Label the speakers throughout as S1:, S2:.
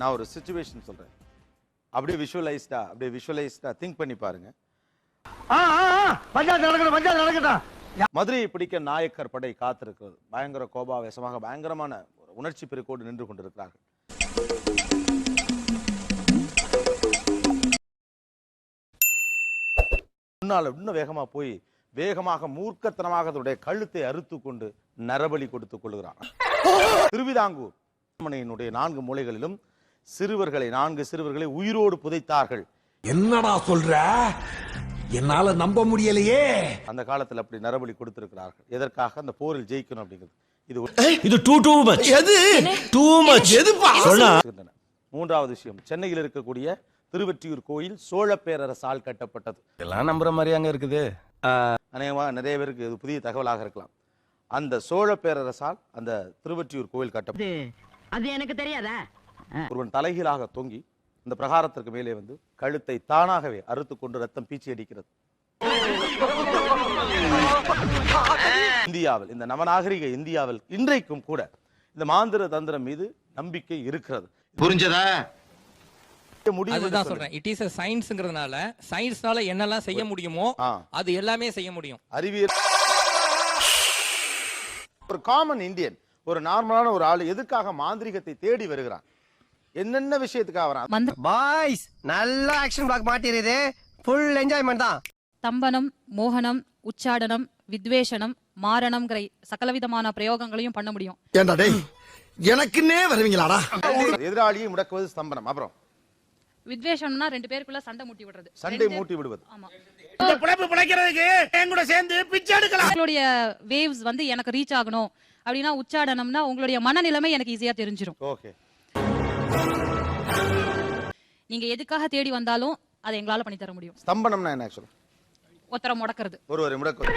S1: நான் ஒரு சிச்சுவேஷன் சொல்றேன், அப்படியே விஷுவலைஸ்டா திங்க் பண்ணி பாருங்க. மதுரையை பிடிக்க நாயக்கர் படை காத்திருக்கிறது. பயங்கர கோபாவேசமாக பயங்கரமான உணர்ச்சி பெருக்கோடு நின்று கொண்டிருக்கிறார்கள். முன்னால இன்னும் வேகமா போய் வேகமாக மூர்க்கத்தனமாக அதனுடைய கழுத்தை அறுத்து கொண்டு நரபலி கொடுத்துக் கொள்கிறான். திருவிதாங்கூர் அரண்மனையினுடைய 4 மூலைகளிலும் சிறுவர்களை 4 சிறுவர்களை உயிரோடு புதைத்தார்கள்.
S2: என்னடா சொல்ற? என்னால நம்ப முடியலையே.
S1: அந்த காலத்தில் அப்படி நரபலி கொடுத்திருக்கிறார்கள். எதற்காக? அந்த போரில் ஜெயிக்கணும் அப்படிங்கிறது.
S2: இது டூ மச். எது டூ மச்? எதுப்பா சொன்னா?
S1: மூன்றாவது விஷயம், சென்னையில் இருக்கக்கூடிய திருவொற்றியூர் கோயில் சோழ பேரரசால் கட்டப்பட்டது.
S3: எல்லாம் நம்புற மாதிரி அங்க இருக்குது.
S1: அநேகமாக நிறைய பேருக்கு இது புதிய தகவலாக இருக்கலாம். அந்த சோழ பேரரசால் அந்த திருவொற்றியூர் கோயில் கட்டப்பட்டது.
S4: அது எனக்கு தெரியாதா?
S1: ஒருவன் தலைகீழாக தொங்கி இந்த பிரகாரத்திற்கு மேலே வந்து கழுத்தை தானாகவே அறுத்து கொண்டு ரத்தம் பீச்சி அடிக்கிறது. இந்தியாவில், இந்த நவநாகரிக இந்தியாவில் இன்றைக்கும் கூட இந்த மாந்திர தந்திரம் மீது நம்பிக்கை இருக்கிறது.
S5: புரிஞ்சதா?
S6: அதுதான் சொல்றேன். இட் இஸ் a சயின்ஸ்ங்கிறதுனால சயின்ஸ்னால என்னெல்லாம் செய்ய முடியுமோ அது எல்லாமே செய்ய முடியும்.
S1: அறிவியல். ஒரு காமன் இந்தியன், ஒரு நார்மலான ஒரு ஆளு எதுக்காக மாந்திரிகத்தை தேடி வருகிறான்? என்னென்ன விஷயத்துக்காக வரான்?
S7: பாய்ஸ் நல்ல ஆக்ஷன் பிளாக் மாட்டிருது. ஃபுல் என்ஜாய்மென்ட் தான்.
S8: தம்பனம், மோகனம், உச்சாடனம், வித்வேஷனம், மாரணம்ங்கிற சகலவிதமான பிரயோகங்களையும் பண்ண முடியும்.
S2: ஏண்டா டேய், எனக்குன்னே வருவீங்களாடா?
S1: எதிராளியை முடக்குவது ஸ்தம்பனம். அப்புறம்
S8: வித்வேஷம்னா 2 பேருக்குள்ள சண்டை மூட்டி விடுறது.
S1: சண்டை மூட்டி விடுவது.
S8: ஆமா.
S2: இந்த புடைப்பு புடைக்கிறதுக்கு என் கூட சேர்ந்து பிச்சை எடுக்கலாம்.
S8: உங்களுடைய வேவ்ஸ் வந்து எனக்கு ரீச் ஆகணும் அப்படினா உச்சாடனம்னா உங்களுடைய மனநிலைமை எனக்கு ஈஸியா தெரிஞ்சிரும்.
S1: ஓகே.
S8: நீங்க எதுக்காக தேடி வந்தாலும் அதை எங்களால பண்ணி தர முடியும்.
S1: ஸ்தம்பனம்னா என்ன ஆக்சுவலா?
S8: ஒருத்தரை முடக்கிறது.
S1: ஒருவரை முடக்குவது.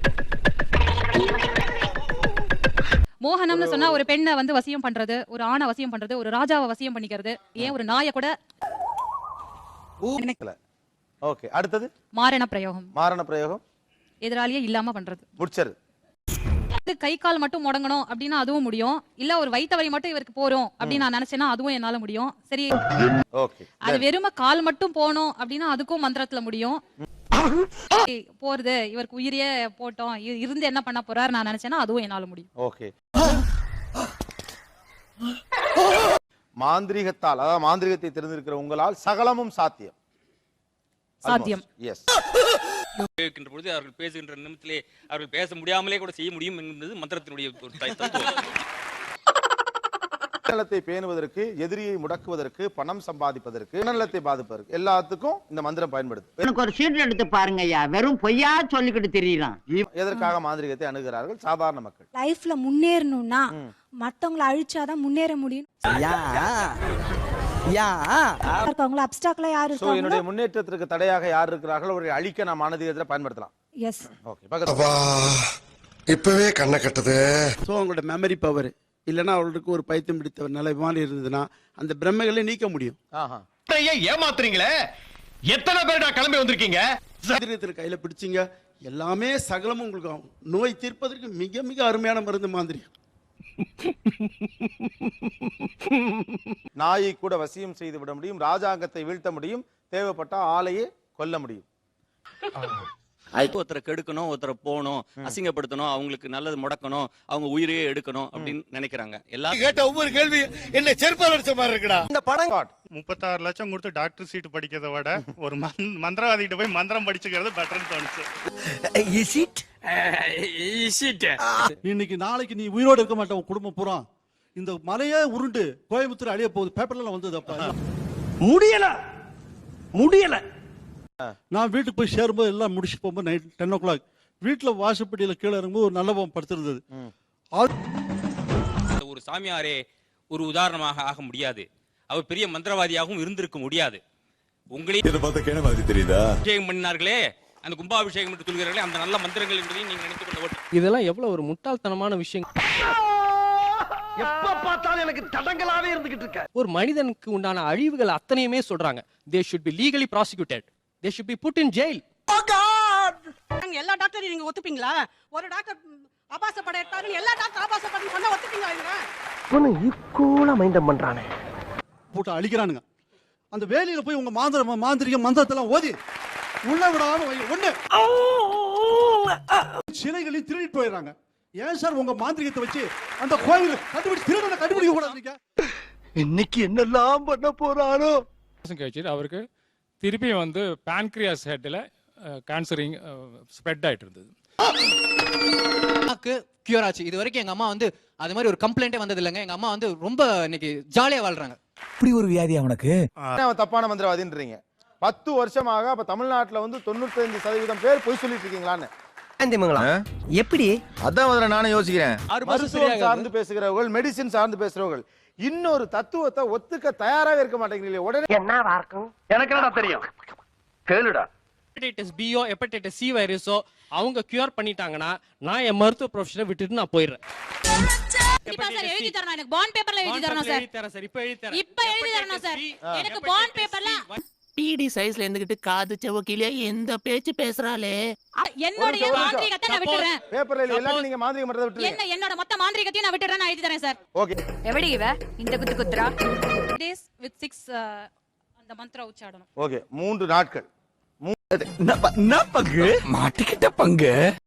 S8: மோகனம்னு சொன்னா ஒரு பெண்ணை வந்து வசியம் பண்றது, ஒரு ஆணை வசியம் பண்றது, ஒரு ராஜாவை வசியம் பண்ணிக்கிறது, ஏன் ஒரு நாயை கூட.
S1: ஓகே. அடுத்தது
S8: மாரண பிரயோகம்.
S1: மாரண பிரயோகம்
S8: எதிராளியே இல்லாம பண்றது.
S1: முடிச்சது.
S8: கை கால் மட்டும் முடங்கணும் அப்படின்னா அதுவும் முடியும். இல்ல ஒரு வயித்த வலி மட்டும் இவருக்கு போறோம் அப்படின்னு நான் நினைச்சேன்னா அதுவும் என்னால முடியும். சரி,
S1: ஓகே.
S8: அது வெறும கால் மட்டும் போனோம் அப்படின்னா அதுக்கும் மந்திரத்துல முடியும். போறது இவருக்கு உயிரியே போட்டோம் இருந்து என்ன பண்ண போறாரு நான் நினைச்சேன்னா அதுவும் என்னால முடியும்.
S1: ஓகே. மாந்திரிகத்தால், அதாவது மாந்திரிகத்தை தெரிந்திருக்கிற உங்களால் சகலமும் சாத்தியம்.
S8: சாத்தியம்.
S1: எஸ்.
S6: கேட்கின்ற பொழுது அவர்கள் பேசுகின்ற நிமிடத்திலே அவர்கள் பேச முடியாமலே கூட செய்ய முடியும் என்பது மந்திரத்தினுடைய தத்துவம்.
S1: நலத்தை பேணுவதற்கு, எதிரியை முடக்குவதற்கு, பணம் சம்பாதிப்பதற்கு, நலத்தை பாதிப்பதற்கு எல்லாத்துக்கும் இந்த மந்திரம் பயன்படுது.
S4: எனக்கு ஒரு சீட் எடுத்து பாருங்க ஐயா, வெறும் பொய்யா சொல்லிக்கிட்டு தெரியலாம்.
S1: எதற்காக மாந்திரிகத்தை அணுகிறார்கள்? சாதாரண மக்கள்
S9: லைஃப்ல முன்னேறணும்னா மத்தவங்களை அழிச்சாதான் முன்னேற முடியும்.
S1: என்னுடைய முன்னேற்றத்திற்கு தடையாக யார் இருக்கிறார்கள் அவரை அழிக்க நாம் மாந்திரிகத்தை பயன்படுத்தலாம்.
S9: எஸ்.
S1: ஓகே. பக்கத்துல
S2: இப்பவே கண்ணை கட்டுது.
S10: சோ உங்களோட மெமரி பவர் இல்லைன்னா அவர்களுக்கு ஒரு பைத்தியம் பிடித்த நிலை மாதிரி இருந்ததுன்னா அந்த பிரம்மைகளை நீக்க முடியும்.
S5: ஏமாத்துறீங்களே, எத்தனை பேர் கிளம்பி வந்திருக்கீங்க?
S10: கையில பிடிச்சிங்க எல்லாமே சகலமும் உங்களுக்கு ஆகும். நோய் தீர்ப்பதற்கு மிக மிக அருமையான மருந்து மாதிரி.
S1: நாயை கூட வசியம் செய்து விட முடியும், ராஜாங்கத்தை வீழ்த்த முடியும், தேவைப்பட்ட ஆளையே கொல்ல முடியும்.
S6: ஒருத்தரை கெடுக்கணும், ஒருத்தரை போகணும், அசிங்கப்படுத்தணும், அவங்களுக்கு நல்லது முடக்கணும், அவங்க உயிரையே எடுக்கணும் அப்படின்னு நினைக்கிறாங்க. எல்லாரும்
S2: கேட்ட ஒவ்வொரு கேள்வி என்ன செருப்பால் அடிச்ச மாதிரி இருக்குடா. இந்த படம்
S11: 36 லட்சம் கொடுத்து டாக்டர் சீட் படிக்கிறத விட ஒரு மந்திரவாதிகிட்ட போய் மந்திரம் படிச்சுக்கிறது பெட்டர்னு தோணுச்சு.
S10: இன்னைக்கு நாளைக்கு நீ உயிரோடு இருக்க மாட்டேன். உன் குடும்பம் பூரா இந்த மலையே உருண்டு கோயம்புத்தூர் அழிய போகுது. பேப்பர்ல வந்தது. அப்ப முடியல. நான் வீட்டுக்கு போய் சேரும்போது எல்லாம் முடிச்சு போகும்போது நைட் 10 o'clock வீட்டுல வாசப்படியில கீழே இறங்கும்போது ஒரு நல்ல பாவம் படுத்திருந்தது.
S6: ஒரு சாமியாரே ஒரு உதாரணமாக ஆக முடியாது. அவர் பெரிய மந்திரவாதியாகவும் இருந்திருக்க முடியாது. உங்களையும் அபிஷேகம் பண்ணினார்களே, அந்த கும்பாபிஷேகம் என்று சொல்கிறார்களே, அந்த நல்ல மந்திரங்கள் என்பதையும் நீங்க நினைத்துக் கொள்ள. இதெல்லாம் எவ்வளவு ஒரு முட்டாள்தனமான விஷயம்.
S7: எப்ப பார்த்தாலும் எனக்கு தடங்களாவே இருந்துகிட்டு இருக்க.
S6: ஒரு மனிதனுக்கு உண்டான அழிவுகள் அத்தனையுமே சொல்றாங்க. They should be legally prosecuted. They should be put in jail.
S7: Oh God!
S4: எல்லா டாக்டரையும் நீங்க ஒத்துப்பீங்களா? ஒரு டாக்டர் ஆபாச படம் எடுத்தாரு, எல்லா டாக்டர் ஆபாச படம் பண்ண ஒத்துப்பீங்களா? இவங்க
S7: ஈக்குவலா மைண்டம் பண்றானே.
S10: போட்டு அழிக்கிறானுங்க. அந்த வேலையில போய் உங்க மாந்திரிக மந்திரத்தெல்லாம் ஓதி உள்ள விடாம ஒண்ணு சிலைகளையும் திருடிட்டு போயிடுறாங்க. ஏன் சார் உங்க மாந்திரிகத்தை வச்சு அந்த கோயில் கண்டுபிடிக்க கூடாது?
S7: இன்னைக்கு என்னெல்லாம் பண்ண போறாரோ.
S11: கழிச்சு அவருக்கு திருப்பியும் வந்து பான்கிரியாஸ் ஹெட்ல கேன்சரிங் ஸ்ப்ரெட் ஆயிட்டு இருந்தது.
S12: கியூர் ஆச்சு. இது வரைக்கும் எங்க அம்மா வந்து அது மாதிரி ஒரு கம்ப்ளைண்டே வந்தது இல்லைங்க. எங்க அம்மா வந்து ரொம்ப இன்னைக்கு ஜாலியா வாழ்றாங்க.
S2: இப்படி ஒரு வியாதி அவனுக்கு.
S1: அவன் தப்பான மந்திரவாதின்றீங்க. 10 வருஷமாக அப்ப தமிழ்நாட்டுல வந்து 95% பேர் பொய் சொல்லிட்டு இருக்கீங்களான்னு
S7: எப்படி?
S3: அதான் முதல்ல நானும் யோசிக்கிறேன்.
S1: மருத்துவம் சார்ந்து பேசுகிறவர்கள், மெடிசின் சார்ந்து பேசுறவர்கள் இன்னொரு தத்துவத்தை ஒத்துக்க தயாராக இருக்க மாட்டேங்கிறீங்களே. உடனே
S7: என்னவா இருக்கும்? எனக்கு என்னடா தெரியும், கேளுடா.
S12: ஹெப்படைட்டிஸ் பியோ ஹெப்படைட்டிஸ் சி வைரஸோ அவங்க கியூர் பண்ணிட்டாங்கன்னா நான் என் மருத்துவ ப்ரொஃபஷனை விட்டுட்டு நான் போயிடுறேன்.
S8: கண்டிப்பா சார் எழுதி தரணும். எனக்கு பாண்ட் பேப்பர்ல எழுதி தரணும் சார்.
S12: இப்ப எழுதி தரேன்.
S8: இப்ப எழுதி தரணும் சார். எனக்கு பாண்ட் பேப்பர்ல
S2: டிடி சைஸ்ல இருந்துகிட்டு காது செவக்கிலே எந்த பேச்சு பேசுறாளே.
S8: என்னோட மாந்திரிகத்தை நான் விட்டுறேன்.
S1: பேப்பர்ல எல்லாத்தையும் நீங்க மாந்திரிக மந்திரத்தை விட்டுறீங்க.
S8: என்னோட மொத்த மாந்திரிகத்தையும் நான் விட்டுறேன். நான் எழுதி தரேன் சார்.
S1: ஓகே.
S8: எப்படி இவ இந்த குத்து குத்துறா? டேஸ் வித் 6 அந்த மந்திர உச்சாடணும்.
S1: ஓகே. 3 நாட்கள்.
S2: என்ன பங்கு மாட்டிக்கிட்ட பங்கு.